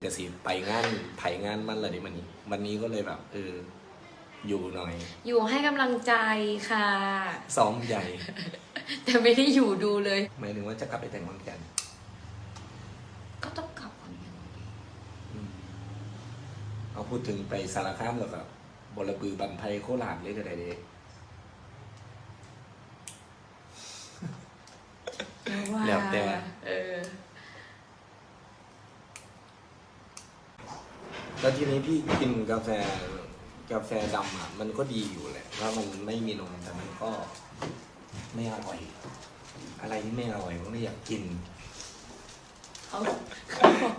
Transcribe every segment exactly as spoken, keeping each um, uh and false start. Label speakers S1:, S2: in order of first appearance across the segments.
S1: จะสิไปงานไผงานมันเลยดิมันนี้วันนี้ก็เลยแบบเอออยู่หน่อย
S2: อยู่ให้กำลังใจค่ะ
S1: ซ้อมใหญ่
S2: แต่ไม่ได้อยู่ดูเลย
S1: หมายถึงว่าจะกลับไปแต่งงานกัน
S2: ก็ต้องกลับก่อน
S1: อืมเอาพูดถึงไปสารคามแล้วก็บลบือบันไพโคราชเลยก็ได้เด้ แล้วแต่
S2: เออ
S1: แล้วทีนี้พี่กินกาแฟกาแฟดำอ่ะมันก็ดีอยู่แหละว่ามันไม่มีนมแต่มันก็ไม่อร่อย อะไรที่ไม่อร่อยก็ไม่อยากกิน
S2: เขาเขาบอก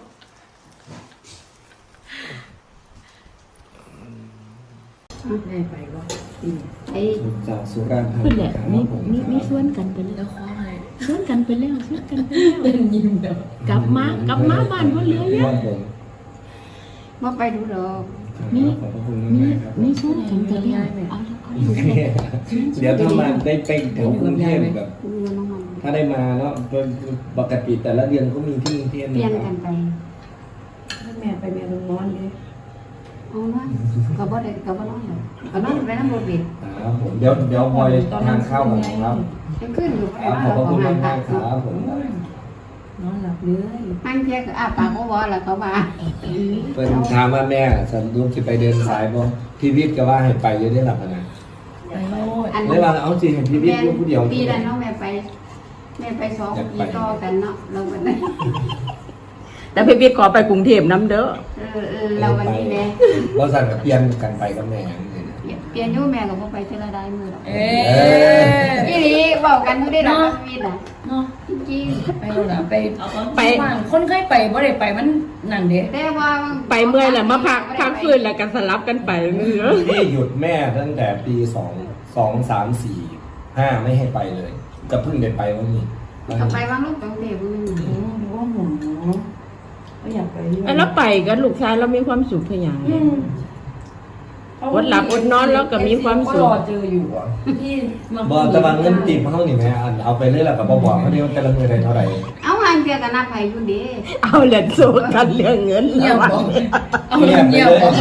S3: แม่ไปว่าปีนี้ไอ้
S1: จากสุราษฎร์ธา
S3: เพื่อน
S1: นี
S3: แหละ
S1: ครับ
S3: มี
S1: ผม
S3: มีมีส่วนกันไปแล้
S2: แล้ว วคว้าไง
S3: ส่วนกันไปแล้วส่วนกันไปแล้ว
S2: เป็นยิ้มเดียว
S3: กลับมากลับมาบ้านก็เหลือเย
S1: ครั
S3: อะ
S1: บผม
S4: มาไปดูดอก
S3: มี
S1: ขอบพระคุณ
S3: มี
S1: มากๆครับ
S3: มีส่วนกันไปแล้วเอาเอาอยู่เลย
S1: เดี๋ยวถ้ามาได้ไปแถวกรุงเทพแบบ
S4: ดูน้องมัน
S1: ถ้าได้มาเนาะปกติแต่ละเดือนก็มีที่กรุงเทพ
S4: เปลี่ยน
S1: นะค
S4: กั
S1: รับ
S4: นไป
S3: แม่ไปแม่ลงนอนเลย
S4: เอาเนาะก็บ่ได้ก็บ่นอนหรอกก็นอนไปน้ำโรบิด
S1: ครับผมเดี๋ยวเดี๋ยวพลอยทานข้าวกันนะครับ
S4: ยังขึ้นอยู่
S1: ครับขอบพระคุณมากมากๆครับผม
S3: นอนหลับเลย
S4: นั่งเที่ยก็อ้าปากบ่บ่แล้วเขาว่า
S1: เพิ่นถามว่าแม่สรุปสิไปเดินสายบ่พี่วิทย์ก็ว่าให้ไปอยู่ได้หลับนะ
S3: ไปโลด
S4: อัน
S1: เลยว่าเอาสิให้พี่วิทย์อยู่ผู้เดียว
S4: ปีนั้นเนาะแม่ไปแม่ไปสองปีต่อกันเนาะเราวันนี้
S3: แต่พี่พี่ขอไปกรุงเทพน้ำเด้อ
S4: เออเออเราวันนี้แม่
S1: บ่สั่นก็เปลี่ยนกันไปกับแม่จังซี่นะ
S4: เปลี่ยนเปลี่ยนอยู่แม่ก็บ่ไปเทอละได้มือหรอก
S2: เอ๊
S4: อีหลีเว้ากันอยู่ได้ดอกชีวิตน่ะ
S5: เนาะ
S4: จริง
S5: ไปโน่นน่ะไปไปบ้านคนเคยไปบ่ได้ไปมันนั่นเด้
S4: ๆแต่ว่า
S3: ไปเมื่อยแหละมาพักพักคืนแล้วกันสลับกันไปเนื้อ
S1: พี่หยุดแม่ตั้งแต่ปีสอง สอง สาม สี่ ห้าไม่ให้ไปเลย ก็เพิ่งได้ไปวันนี้
S4: ก็ไปวางลูกตรงเด็กมื้อนึง
S5: อืมว่าหมูก็อยากไปด้วย
S3: แล้วไปกันลูกชายเรามีความสุขขยัน
S5: อืม
S3: อดหลับอดนอนแล้วก็มีความสุข
S5: ก็รอเจออยู่อ่ะพี่มา
S1: บ่แตะวันเงินติดเฮานี่แม่อันเอาไปเลยล่ะก็บ่บอกเขาเดียวแต่ละมื้อได้เท่าไหร่
S4: เอาหางเที่ยก็นับให้อยู่เด้
S3: เอาเหรียญสู้กันเรื่องเงิน
S5: เงียบ
S3: แล้ว
S5: บอกเอา
S1: เงียบไป
S5: เงียบ
S1: เลย
S5: บอก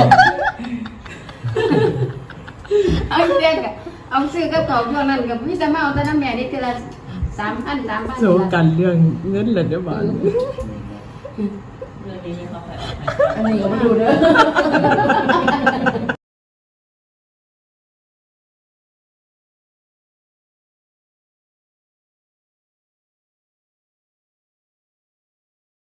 S4: เอาเรื่องกับเอาซื้อกับเขาช่วงนั้นกับพี่จะมาเอาแต่น้ำแม่นี่ทีละสามพันสามพัน
S3: สู้กันเรื่องเงินเลยเดี๋ยวบ้าน
S5: อันนี้ก็มาดูเด้อ